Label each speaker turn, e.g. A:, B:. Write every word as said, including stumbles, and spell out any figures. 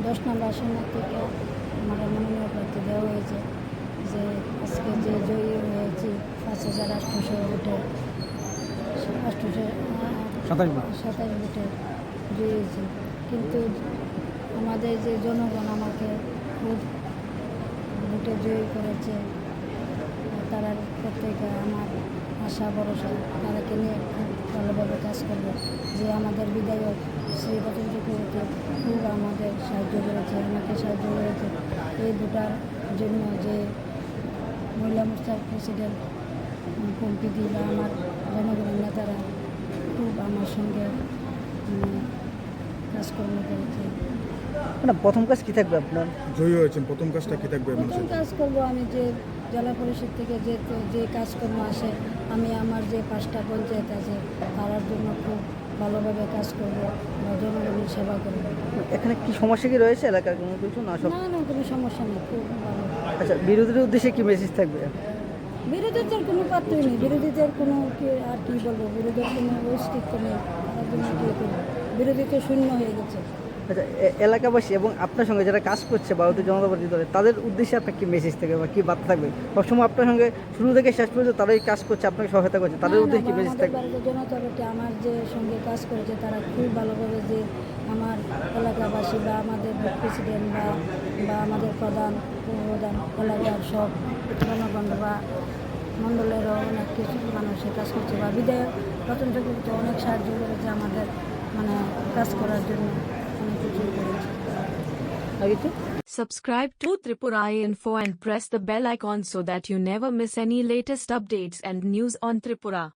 A: দশ নম্বর আসন থেকে আমার মনোনয়ন প্রার্থী দেওয়া হয়েছে যে আজকে যে জয়ী হয়েছি পাঁচ হাজার আটশোশো ভোটে আটশোশো
B: সাতাশ ভোট
A: সাতাশ ভোটে জয়ী হয়েছি। কিন্তু আমাদের যে জনগণ আমাকে খুব ভোটে জয়ী করেছে, তারা প্রত্যেকে আমার আশা ভরসা তারাকে নিয়ে খুব ভালোভাবে কাজ করবে। যে আমাদের বিধায়ক শ্রী রতন চক্রবর্তী খুব আমাদের সাহায্য করেছে, আমাকে সাহায্য করেছে এই ভোটার জন্য। যে মহিলা মোর্চার প্রেসিডেন্ট পম্পিদি বা আমার জনগণের নেতারা খুব আমার সঙ্গে মানে কাজকর্ম করেছে।
B: মানে প্রথম কাজ কি থাকবে আপনার?
C: জয়ী হয়েছেন, প্রথম কাজটা কি থাকবে
A: প্রথম
C: মানুষের?
A: কাজ করব আমি যে জেলা পরিষদ থেকে যে যে কাজকর্ম আসে, আমি আমার যে পাঁচটা পঞ্চায়েত আছে তার জন্য খুব ভালোভাবে কাজ করব বা জনগণের সেবা করব।
B: এখানে কি সমস্যা কি রয়েছে এলাকার কোনো কিছু না সব?
A: না না কোনো সমস্যা নেই, খুব ভালো।
B: আচ্ছা, বিরোধীদের উদ্দেশ্যে কি মেসেজ থাকবে?
A: বিরোধীদের কোনো পাত্রই নেই, বিরোধীদের কোনো কি আর কী বলবো, বিরোধীর কোনো অস্তিত্ব নেই, তার জন্য কী করবো, বিরোধী তো শূন্য হয়ে গেছে।
B: আচ্ছা, এ- এলাকাবাসী এবং আপনার সঙ্গে যারা কাজ করছে ভারতীয় জনতা পার্টি দলে, তাদের উদ্দেশ্যে আপনার কি মেসেজ থাকবে বা কি বার্তা থাকবে? সবসময় আপনার সঙ্গে শুরু থেকে শেষ পর্যন্ত তারাই কাজ করছে, আপনাকে সহায়তা করছে, তাদের
A: না, না,
B: উদ্দেশ্যে কি
A: বা
B: মেসেজ
A: আমাদের
B: থাকবে?
A: ভারতীয় জনতা পার্টি আমার যে সঙ্গে কাজ করেছে তারা খুব ভালোভাবে যে আমার এলাকাবাসী বা আমাদের প্রেসিডেন্ট বা বা আমাদের প্রধান প্রধান এলাকার সব জনগণ বা মণ্ডলেরও অনেক কিছু মানুষের কাজ করছে বা বিধায়ক রতন চক্রবর্তী অনেক সাহায্য করেছে আমাদের মানে কাজ করার জন্য, অনেক কিছু করেছে।
B: আর কিছু?
D: Subscribe to Tripura Info and press the bell icon so that you never miss any latest updates and news on Tripura.